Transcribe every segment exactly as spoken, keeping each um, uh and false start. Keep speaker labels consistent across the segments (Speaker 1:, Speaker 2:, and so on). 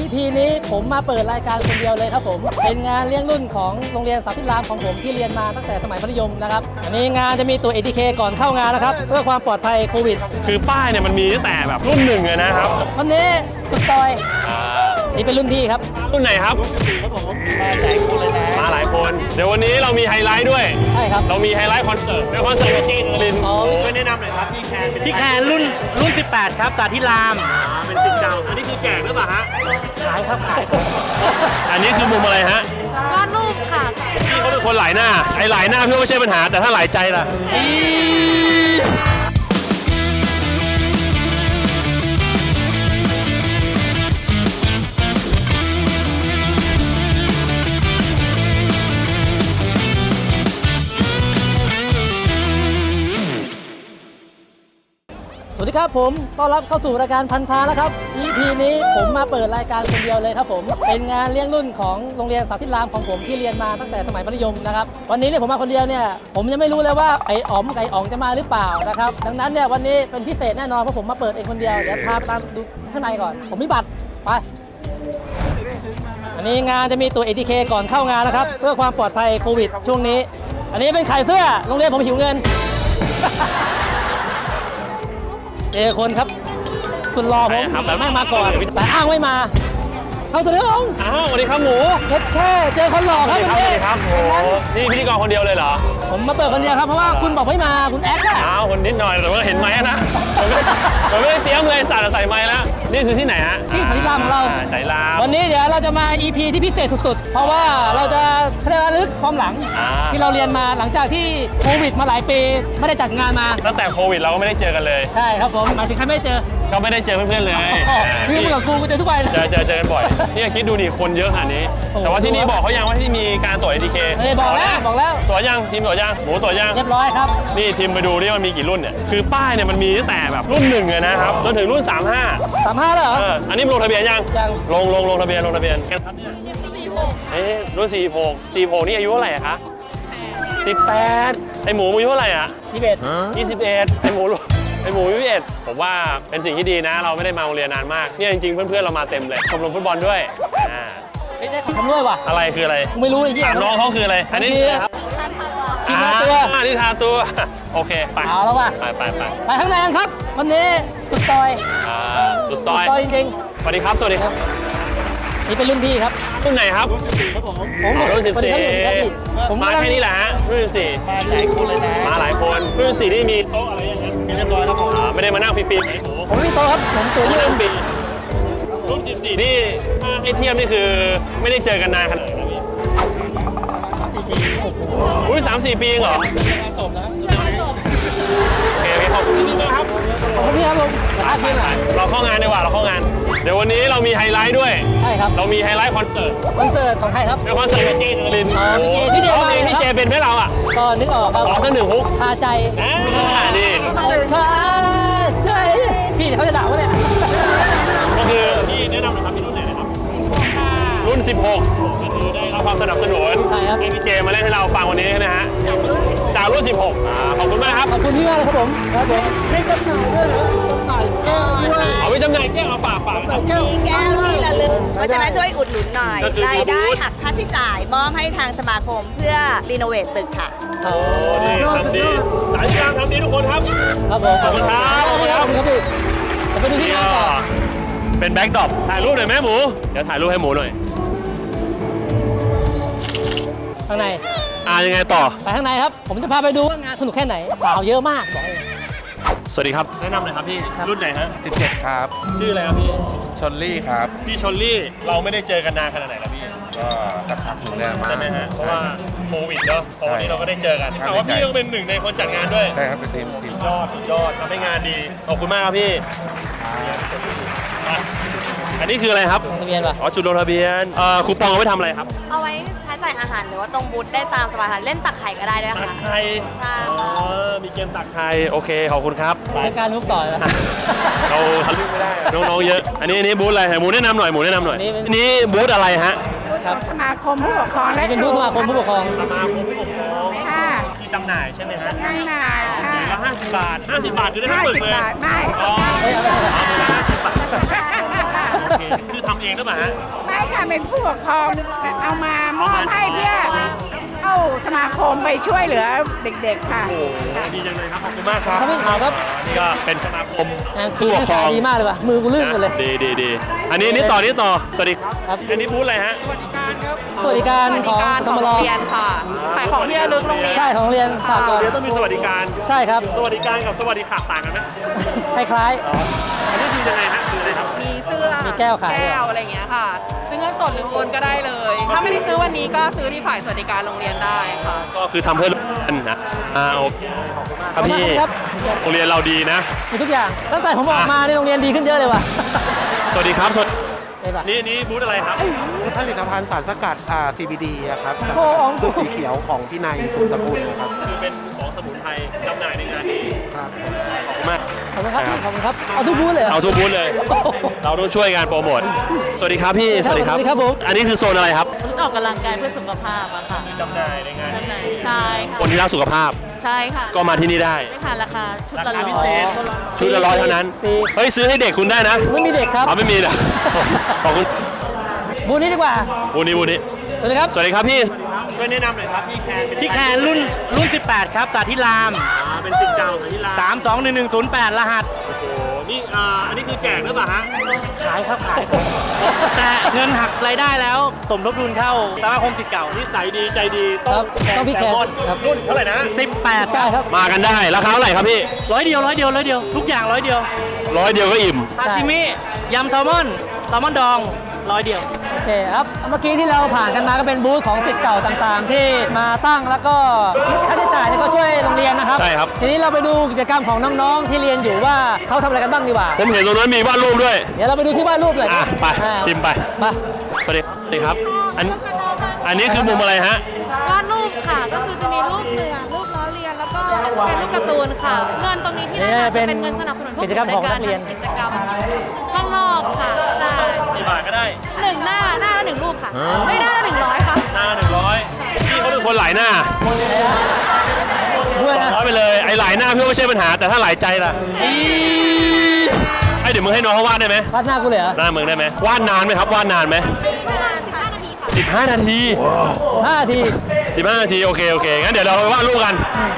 Speaker 1: พี นี้ผมมาเปิดรายการคนเดียวเลยครับผมเป็นงานเลี้ยงรุ่นของโรงเรียนสาธิตรามของผมที่เรียนมาตั้งแต่สมัยมัธยมนะครับอันนี้งานจะมีตัว เอ ที เค ก่อนเข้างานนะครับเพื่อความปลอดภัยโควิด
Speaker 2: คือป้ายเนี่ยมันมีตั้งแต่แบบรุ่นหนึ่งเลยนะครับ
Speaker 1: วันนี้สุดซอยนี่เป็นรุ่นพี่ครับ
Speaker 2: รุ่นไหนครับครับผมมาหลายคนเลยนะมาหลายคนเดี๋ยววันนี้เรามีไฮไลท์ด้วย
Speaker 1: ใช่ครับ
Speaker 2: เรามีไฮไลท์คอนเสิร์ตเป็นคอนเสิร์ตจีนลินช่วยแนะนำหน่อยครับพี่แคน
Speaker 3: พี่แคนรุ่นรุ่นสิบแปดครับสาธิราม
Speaker 2: เป็นสิบเจ้าอันนี้คือแจกหรือเปล่าฮะ
Speaker 3: ขายครับขาย
Speaker 2: อันนี้คือมุมอะไรฮะ
Speaker 4: วาดรูปค่ะ
Speaker 2: พี่เขาเป็นคนหลายหน้าไอ้หลายหน้าพี่ไม่ใช่ปัญหาแต่ถ้าหลายใจล่ะ
Speaker 1: สวัสดีครับผมต้อนรับเข้าสู่รายการพันธาแล้วครับ อี พี นี้ผมมาเปิดรายการคนเดียวเลยครับผมเป็นงานเลี้ยงรุ่นของโรงเรียนสาธิตรามของผมที่เรียนมาตั้งแต่สมัยมัธยมนะครับวันนี้เนี่ยผมมาคนเดียวเนี่ยผมยังไม่รู้เลยว่าไอ้อ๋อมไก่อ๋องจะมาหรือเปล่านะครับดังนั้นเนี่ยวันนี้เป็นพิเศษแน่นอนเพราะผมมาเปิดเองคนเดียวเดี๋ยวพาไปตามดูข้างในก่อนผมมีบัตรไปอันนี้งานจะมีตัว เอ ที เค ก่อนเข้างานนะครับเพื่อความปลอดภัยโควิดช่วงนี้อันนี้เป็นขายเสื้อโรงเรียนผมหิวเงินเจอคนครับสุดรอผมแต่ไม่มาก่อนแต่อ้างไม่มาเอาเสนออง
Speaker 2: อ้าวสวัสดีครับหมู
Speaker 1: แค่เจอคนหล่อครับวันนี้
Speaker 2: ครับโอ้นี่พิธีกรคนเดียวเลยเหรอ
Speaker 1: ผมมาเปิดคนเดียวครับเพราะว่าคุณบอกไม่มาคุณแอคอะ
Speaker 2: อ้าวคนนิดหน่อยแต่ว่าเห็นไหมนะผมไม่ได้เตรียมเลยสาดใส่ไม้แล้วนี่คือที่ไหนฮะ
Speaker 1: ที่สาธิตรามของเรา
Speaker 2: สายราม
Speaker 1: วันนี้เดี๋ยวเราจะมา อี พี ที่พิเศษสุดๆเพราะว่าเราจะระลึกความหลังที่เราเรียนมาหลังจากที่โควิดมาหลายปีไม่ได้จัดงานมา
Speaker 2: ตั้งแต่โควิดเราก็ไม่ได้เจอกันเลย
Speaker 1: ใช่ครับผมหมายถึงใครไม่เจอ
Speaker 2: ก็ไม่ได้เจอเพื่อนๆเลย
Speaker 1: พี่มึงกับกูกูเจอทุกวัน
Speaker 2: เจอเจอเจอกันบ่อยนี่คิดดูดิคนเยอะขนาดนี้แต่ว่าที่นี่บอกเขายังว่าที่มีการตรวจ เอ ที เค
Speaker 1: เฮ้ยบอกแล้วบอกแล้ว
Speaker 2: ตรวจยังทีมตรวจยังหมูตรวจยัง
Speaker 1: เรียบร้อยครับ
Speaker 2: นี่ทีมไปดูนี่มันมีกี่รุ่นเนี่ยคือป้ายเนี่ยมันมีตั้งแต่แบบรุ่นหนึ่งเลยนะครับจนถึงรุ่นสามห้า
Speaker 1: สามห้าเหรอ
Speaker 2: อันนี้ลงทะเบียนยัง
Speaker 1: ยัง
Speaker 2: ลงลงลงทะเบียนลงทะเบียนครับเนี่ยเอ๊ะรุ่นสี่หกสี่หกนี่อายุเท่าไหร่คะสิบแปดไอหมูอายุเท่าไหร่อ่ะ
Speaker 1: ยี่สิบเอ็ด
Speaker 2: ยี่สิบเอ็ดไอหมูไอหมูยี่สิบเอ็ดผมว่าเป็นสิ่งที่ดีนะเราไม่ได้มาโรงเรียนนานมากเนี่ยจริงๆเพื่อนๆเรามาเต็มเลยชมรมฟุตบอลด้วยอ่า
Speaker 1: ไม่ได้ทำด้วยว่ะ
Speaker 2: อะไรคืออะไร
Speaker 1: ไม่รู้เลยที่
Speaker 2: น้องเขาคืออะไรอันนี้ครับ
Speaker 1: ที่ทาตัว
Speaker 2: ที่ทาตัวโอเคไป
Speaker 1: เอาแล้วว่ะ
Speaker 2: ไปไปไป
Speaker 1: ไปข้างในกันครับวันนี้สุดซอย
Speaker 2: อ่าสุดซอย
Speaker 1: ซอยจริง
Speaker 2: ๆสวัสดีครับสวัสดีครับ
Speaker 1: นี่เป็นรุ่นพี่ครับ
Speaker 2: รุ่นไหนครับ
Speaker 3: รุ่นสิบสี่ครับผม
Speaker 1: ผม
Speaker 2: รุ่นสิบสี่ผมมาแค่นี้แหละฮะรุ่นสิบสี่
Speaker 3: มาหลายคนเลยนะ
Speaker 2: มาหลายคนรุ่นสิบสี่นี่มีโต๊ะอะไรอย่างเงี้ย
Speaker 3: มีเรียบร้อยครับผม
Speaker 2: ไม่ได้มานั่งฟรีๆ
Speaker 1: ผมไม่มีโต๊ะครับผมตัวยืน
Speaker 2: ฟรีรุ่นสิบสี่นี่ไอเทียมนี่คือไม่ได้เจอกันนานขนาดไหน
Speaker 3: สี่ปี
Speaker 2: อุ้ยสามสี่ปีเหรอ
Speaker 3: สมนะครับ
Speaker 2: โอเคขอบคุณที่นี่นะครับ
Speaker 1: ขอบคุณพี่ครับผมอาทิตย์ละ
Speaker 2: เราเข้างานดีกว่าเราเข้างานเดี๋ยววันนี้เรามีไฮไลท์ด้วย
Speaker 1: ใช่ครับ
Speaker 2: เรามีไฮไลท์คอนเสิร์ต
Speaker 1: คอนเสิร์ตของใครครับ
Speaker 2: เป็นคอนเสิร์ตเจเจลิน
Speaker 1: อ๋อพี่เจพี่เจมา
Speaker 2: พี่เจเป็นไหมเราอ่ะ
Speaker 1: ก็นึกออกครับ
Speaker 2: ขอสักหนึ่งฮุก
Speaker 1: คาใจ
Speaker 2: อ่านี่
Speaker 1: คาใจพี่เขาจะด่าวะเนี่ย
Speaker 2: ก็คือพี่แนะนำหน่อยครับพี่รุ่นไหนนะครับรุ่นสิบหกก็คือได้รับความสนับสนุนให้พี่เจมาเล่นให้เราฟังวันนี้ใช่ไหมฮะจากรุ่นสิบหกอ่าขอบคุณมากครับ
Speaker 1: ขอบคุณพี่มากเลยครับผมครับผมไม่จำหน่ายด้วยนะจำหน่ายแก้วด้วย
Speaker 2: เอาไปจำหน่ายแก้วเอาฝากฝาก
Speaker 4: มีแก้วที่ระลึกเพราะฉะนั้นช่วยอุดหนุนหน่อยรายได้หักค่าใช้จ่ายมอบให้ทางสมาคมเพื่อรีโนเวทตึกค่ะ
Speaker 2: โอ้ดีทำดีสายกลางทำดีทุกคนครับ
Speaker 1: ครับผม
Speaker 2: ขอบคุณครับ
Speaker 1: ขอบคุณครับพี่จะไปดูที่งานต่อ
Speaker 2: เป็นแบ็คดรอปถ่ายรูปหน่อยแม่หมูเดี๋ยวถ่ายรูปให้หมูหน่อย
Speaker 1: ข้างใน
Speaker 2: อ่ายังไงต่อ
Speaker 1: ไปข้างในครับผมจะพาไปดูว่างานสนุกแค่ไหนสาวเยอะมากบอกเลย
Speaker 2: สวัสดีครับแนะนำหน่อยครับพี่รุ่นไหนฮะ
Speaker 3: สิบเจ็ดครับ
Speaker 2: ชื่ออะไรครับพี่
Speaker 3: ชลลี่ครับ
Speaker 2: พี่ชลลี่เราไม่ได้เจอกันนานขนาดไหนแล้วพี่
Speaker 3: ก็สักพักหนึ่งแล้วมา
Speaker 2: ใช่ไหมฮะเพราะว่าโควิดเนาะตอนนี้เราก็ได้เจอกันแต่ว่าพี่ก็เป็นหนึ่งในคนจัดงานด้วย
Speaker 3: ใช่ครับเป็นทีมทีม
Speaker 2: ยอดยอดทำให้งานดีขอบคุณมากครับพี่อันนี้คืออะไรครับ
Speaker 1: ทะเบียนป่ะ
Speaker 2: อ๋อจุดลงทะเบียนเอ่อคูปองเอาไว้ทำอะไรครับ
Speaker 4: เอาไว้ใช้จ่ายอาหารหรือว่าตรงบูธได้ตามสบายค่ะเล่นตักไข่ก็ได้ด้วยค่ะ
Speaker 2: ตักไข่
Speaker 4: ใช่
Speaker 2: อ๋อมีเกมตักไข่โอเคขอบคุณครับ
Speaker 1: เป็นการลุกต่อแล้ว
Speaker 2: เราทะลุไม่ได้น้องๆเยอะอันนี้อันนี้บูธอะไรหมูแนะนำหน่อยหมูแนะนำหน่อยอันนี้บูธอะไรฮะ
Speaker 5: ครับสมาคมผู้ปกครองและ
Speaker 1: เป็นบูธสมาคมผู้ปกครอง
Speaker 2: สมาคมผู้ปกครอง
Speaker 5: ค่ะ
Speaker 2: ที่จำหน่ายใช่ไหมฮะ
Speaker 5: จำหน่ายค่ะ
Speaker 2: ละห้าสิบบาทห้าสิบบาทคือได้ทั้งหมดเลย
Speaker 5: ห้าสิบบาทไม่
Speaker 2: อ๋อเอาไปละห้าสิบบาทโอเคคือทำเองหรือเปล่าฮะ
Speaker 5: ไม่ค่ะเป็นผู้ปกครองเอามามอบให้เพื่อเอาสมาคมไปช่วยเหลือเด็กๆค่ะ
Speaker 2: โอ้โหดีจังเลยครับขอบคุณมากครับ
Speaker 1: ครับพี่ขาวครับ
Speaker 2: นี่ก็เป็นสมาคม
Speaker 1: งานคี
Speaker 2: ผู้ปกครอง
Speaker 1: ดีมากเลยว่ะมือกูลื่นหมดเลย
Speaker 2: ดีดีดีอันนี้นี่ต่อนี่ต่อสวัสดี
Speaker 1: ครับ
Speaker 2: อันนี้บูธอะไรฮะ
Speaker 1: สวัสดิการ
Speaker 6: สวัส
Speaker 1: ข
Speaker 6: ดิ
Speaker 1: อง
Speaker 6: การ
Speaker 1: ส
Speaker 6: ของ
Speaker 1: ม
Speaker 6: โร
Speaker 1: รง
Speaker 6: เรียนค่ะขายของที่ระลึกโรงเรียน
Speaker 1: ใช่ของโรงเรียนสากล
Speaker 2: เดี๋ยวต้องมีสวัสดิการ
Speaker 1: ใช่ครับ
Speaker 2: สวัสดิการกับสวัสดิขาดต่างกันไหม
Speaker 1: คล้าย
Speaker 2: อันนี้คือยังไงฮะคืออะไรครับ
Speaker 6: มีเสื้อ
Speaker 1: มีแก้วขายด้วย
Speaker 6: แก้วอะไรอย่างเงี้ยค่ะ ซื้อเงินสดหรือโอนก็ได้เลย ถ้าไม่ได้ซื้อวันนี้ก็ซื้อที่ฝ่ายสวัสดิการโรงเรียนได้ค่ะ
Speaker 2: ก็คือทำเพื่อโรงเรียนนะอ่าโอเคครับพี่
Speaker 1: ครับ
Speaker 2: โรงเรียนเราดีนะ
Speaker 1: มีทุกอย่างตั้งแต่ผมออกมาในโรงเรียนดีขึ้นเยอะเลยว่ะ
Speaker 2: สวัสดีครับสวัสดี
Speaker 1: เห็นปะ
Speaker 2: นี่นี่บูธอะไรครับ
Speaker 7: ผลิตภัณฑ์สารสกัดอ่า ซี บี ดี อะครับ
Speaker 1: โอ้โห
Speaker 7: คือสีเขียวของพี่นายสุตระกูลนะครับ
Speaker 2: คือเป็นของสมุนไพรจำหน่ายในงานนี้
Speaker 7: ครับ
Speaker 2: ขอบคุณมาก
Speaker 1: ขอบคุณครับพี่ขอบคุณครับเอาทุกบูธเลยหร
Speaker 2: เอาทุกบูธเลย เราต้องช่วยกันโปรโมทสวัสดีครับพี่
Speaker 1: สวัสดีครับผม
Speaker 2: อันนี้คือโซนอะไรครับ
Speaker 6: ออกกำลังกายเพื่อสุขภาพอะค่ะ
Speaker 2: จำหน่ายในงาน
Speaker 6: ใช่ค่ะ
Speaker 2: คนที่รักสุขภาพ
Speaker 6: ใช่ค่ะ
Speaker 2: ก็มาที่นี่ได้
Speaker 6: ไม่ค่ะราคาชุด
Speaker 2: รา
Speaker 6: ละ
Speaker 2: คา
Speaker 6: ร้
Speaker 2: พิ
Speaker 6: อ
Speaker 2: เศ
Speaker 6: ย
Speaker 2: ษชุดละร้อยเท่านั้น
Speaker 1: ฟรี
Speaker 2: เฮ้ยซื้อให้เด็กคุณได้นะ
Speaker 1: ไม่มีเด็กครับ
Speaker 2: อ๋อไม่มีเหรอขอบคุณ
Speaker 1: บูธนี้ดีกว่า
Speaker 2: บูนี้บูนี้
Speaker 1: สวัสดีครับ
Speaker 2: สวัสดีครับพี่ช่วยแนะนำหน่อยครับพี่แคนเป็น
Speaker 8: พี่แคนรุ่นรุ่น สิบแปด ครับ สาธิราม
Speaker 2: อ่าเป็นสิทธิ์เก่าของที่ร้าน
Speaker 8: สามสองหนึ่งหนึ่งศูนย์แปด รหัส
Speaker 2: โอ้โหนี่อ่าอันนี้คือแจกหรือเปล่าฮะ
Speaker 8: ขายครับ ขายครับ แต่เงินหักรายได้แล้ว สมทบทุนเข้าสมาคมสิทธิ์เก่า
Speaker 2: นิสัยดีใจดีต้
Speaker 1: ค
Speaker 2: อ
Speaker 1: รั
Speaker 2: ง
Speaker 1: บต้องพี่แคน
Speaker 2: ซลมอน
Speaker 1: ครับ
Speaker 2: รุ่นเท่าไหร่นะ
Speaker 8: สิบแปด
Speaker 1: ได้ครับ
Speaker 2: มากันได้ราคาเท่าไหร่ครับพี่
Speaker 8: ร้อยเดียวร้อยเดียวร้อยเดียว ทุกอย่างร้อยเดียว
Speaker 2: ร้อยเดียวก็อิ่ม
Speaker 8: ซาซิมิ ยำแซลมอน แซลมอนดองร้อยเดียว
Speaker 1: โอเคครับเมื่อกี้ที่เราผ่านกันมาก็เป็นบูธของศิษย์เก่าต่างๆ ที่มาตั้งแล้วก็ค่าใช้จ่ายเนี่ยก็ช่วยโรงเรียนนะครับ
Speaker 2: ใช่ครับ
Speaker 1: ทีนี้เราไปดูกิจกรรมของน้องๆที่เรียนอยู่ว่าเขาทำอะไรกันบ้างดีกว่า
Speaker 2: ผมเห็นตรงนั้นมีวาดรูปด้วย
Speaker 1: เดี๋ยวเราไปดูที่วาดรูปเลย
Speaker 2: อ่ะไป
Speaker 1: อ่า
Speaker 2: จิมไป
Speaker 1: มา
Speaker 2: สวัสดีสวัสดีครับ อันอันนี้คือมุมอะไรฮะ
Speaker 9: วาดรูปค่ะ ก็คือจะมีรูปเรือรูปล้อเลียน แล้วก็เป็นรูปการ์ตูนค่ะ เงินตรงนี้ที่ได้รับจะเป็นเงินสนับสนุนพวก
Speaker 1: กิจกรรมของนักเรียน
Speaker 9: กิจกรรมข้างนอกค่ะใช่
Speaker 2: กี่บาทก็ได้
Speaker 9: หนึ่งหน้าหน้าละหนึ่งรูปค่ะ ไม่หน้าละหนึ่งร้อยค่ะ
Speaker 2: หน้าหนึ่งร้อยพี่เขาเป็นคนหลายหน้า
Speaker 1: ด้วย
Speaker 2: สอง
Speaker 1: นะ
Speaker 2: ร้อยไปเลย ไอ้หลายหน้าพี่ว่าไม่ใช่ปัญหา แต่ถ้าหลายใจล่ะอีไอ้เดี๋ยวมึงให้น้องเขาวาดได้ไหม
Speaker 1: วาดหน้ากูเลยเหรอ
Speaker 2: หน้ามึงได้ไหมวาดนานไหมครับ วาดนานไหม
Speaker 9: ประมาณสิบห้านาทีค่ะ
Speaker 2: สิบห้านาที
Speaker 1: ห้านาที
Speaker 2: สิบห้านาที โอเค โอเค งั้นเดี๋ยวเราไปวาดรูปกัน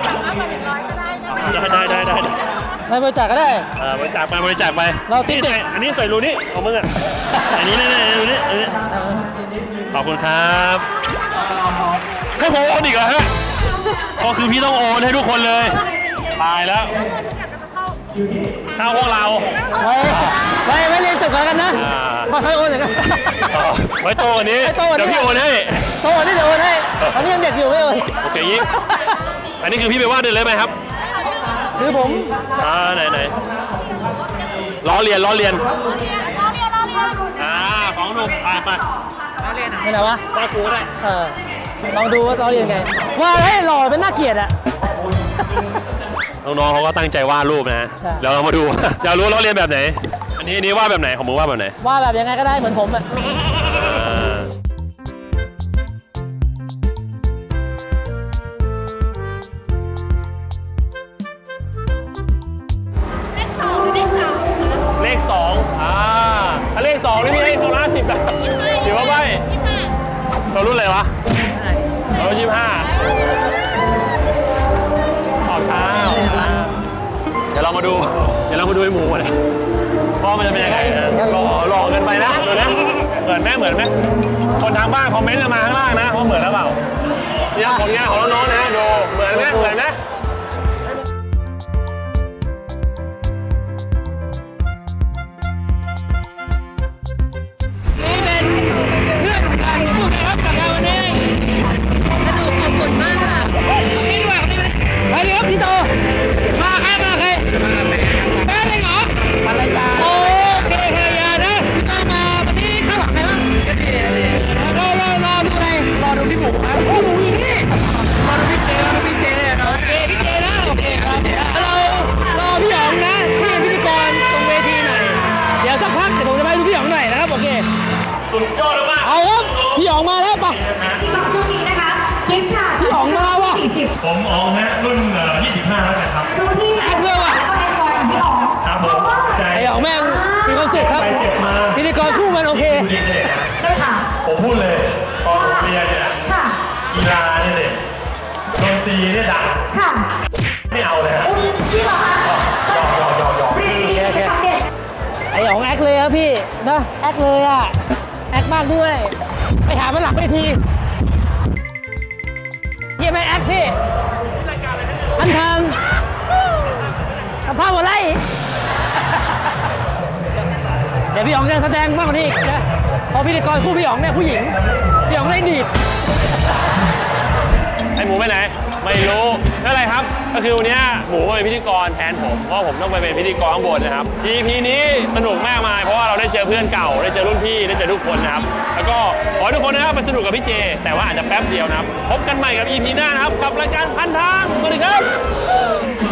Speaker 2: ได้ได้ได้ได้
Speaker 1: ไปบริจาคก็ได้
Speaker 2: อ่าบริจาคไปบริจาคไป
Speaker 1: เราติ๊ก
Speaker 2: นี่ใส่อันนี้ใส่รูนี่ของมึงอ่ะ อันนี้นี่นี่รูนี่อันนี้ขอบคุณครับให้ผมโอนอีกเหรอฮะก็คือพี่ต้องโอนให้ทุกคนเลย ตายแล้ว เข้าพวกเรา
Speaker 1: ไว้ไว้ไว้เรียนจบกันแล้วกันนะ
Speaker 2: อ่า
Speaker 1: ค่อยๆโอนหน่อยกัน
Speaker 2: ต่อไว้โตกว่านี้
Speaker 1: ไว้โตกว่านี้
Speaker 2: เดี๋ยวพี่โอนให้
Speaker 1: โตกว่านี้เดี๋ยวโอนให้ตอนนี้ยังเด็กอยู่ไม่โอน
Speaker 2: โอเคยิ่งอันนี้คือพี่ไปวาดเลยเลยไหมครับ
Speaker 1: คือผม
Speaker 2: อ่าไหนไหนล้อเลียนล้อเลียนอ่าของหนุ่มไปไป
Speaker 1: ไม่ไหนวะ
Speaker 2: วาดกูก็ได้
Speaker 1: เออลองดูว่าเราเรียนไง ว่าให้หล่อเป็นน่าเกลียดอะ
Speaker 2: น้องๆเขาก็ตั้งใจวาดรูปนะ
Speaker 1: ใช่
Speaker 2: เดี๋ยวเรามาดู อยากรู้ล้อเลียนแบบไหน อันนี้อันนี้วาดแบบไหนของมึงวาดแบบไหน
Speaker 1: ว่าแบบยังไงก็ได้เหมือนผมอะ
Speaker 2: อ่าเลขสองอ่าถ้าเลขสองนี่พี่ให้คนละห้าสิบแบบถือว่าใบเรารุ่นอะไรวะเรารุ่นยี่สิบห้าออกช้าออกช้าเดี๋ยวเรามาดู เดี๋ยวเรามาดูไอ้หมูกันนะว่ามันจะเป็นยังไงนะหล่อหล่อเกินไปนะดูนะเหมือนไหมเหมือนไหมคนทางบ้านคอมเมนต์กันมาข้างล่างนะว่าเหมือนหรือเปล่าเนี่ยผลงานของน้องๆนะดูเหมือนไหมเหมือนไหมสุดยอดมาก
Speaker 1: เอาครับพี่หยองมาแล้วปะ
Speaker 10: จริงๆช่วงนี้นะคะกิฟต์ค่ะ
Speaker 1: พี่หยองมาว่ะ
Speaker 10: สี่สิบ
Speaker 2: ผมอ๋องฮะรุ่นยี่สิบห้าแล้วกันครับ
Speaker 10: ช่วงที่สาม
Speaker 1: เพื่อว่ะ
Speaker 10: แล้วก็เอนจอยกับพี่อ๋อง
Speaker 2: ครับผมใจ
Speaker 1: ไอ้หยองแม่งมีความสุขครับ
Speaker 2: ไปเจ็บมา
Speaker 1: พิธีกรคู่มันโอเค
Speaker 10: ค่ะ
Speaker 2: ผมพูดเลยตอนผมเรียนเนี่ย
Speaker 10: ค่ะ
Speaker 2: กีฬาเนี่ยเด็กดนตรีเนี่ยดัง
Speaker 10: ค่ะ
Speaker 2: ไม่เอาเลยฮะ
Speaker 10: อุ้ยจริงเหรอคะ
Speaker 2: ยอมยอมยอมยอม
Speaker 10: เรียนดีกิจกรรมเด็ก
Speaker 1: ไอ้อ๋องแอคเลยครับพี่นะแอคเลยอ่ะแอคมากด้วยไปหามันหลังเวทีเยี่ยมไหมแอคพี่อันทางกับภาพอะไรเดี๋ยวพี่อ๋องจะแสดงมากกว่านี้อีกนะเพราะพิธีกรคู่พี่อ๋องเนี่ยผู้หญิงพี่อ๋องเล่นดีด
Speaker 2: ไอหมูไปไหนไม่รู้นั่นอะไรครับก็คือวันนี้หมูมาเป็นพิธีกรแทนผมเพราะผมต้องไปเป็นพิธีกรข้างบนนะครับ อี พี นี้สนุกมากมายเพราะว่าเราได้เจอเพื่อนเก่าได้เจอรุ่นพี่ได้เจอทุกคนนะครับแล้วก็ขอให้ทุกคนนะครับไปสนุกกับพี่เจแต่ว่าอาจจะแป๊บเดียวนะครับพบกันใหม่กับ อี พี หน้านะครับกับรายการพันทางสวัสดีครับ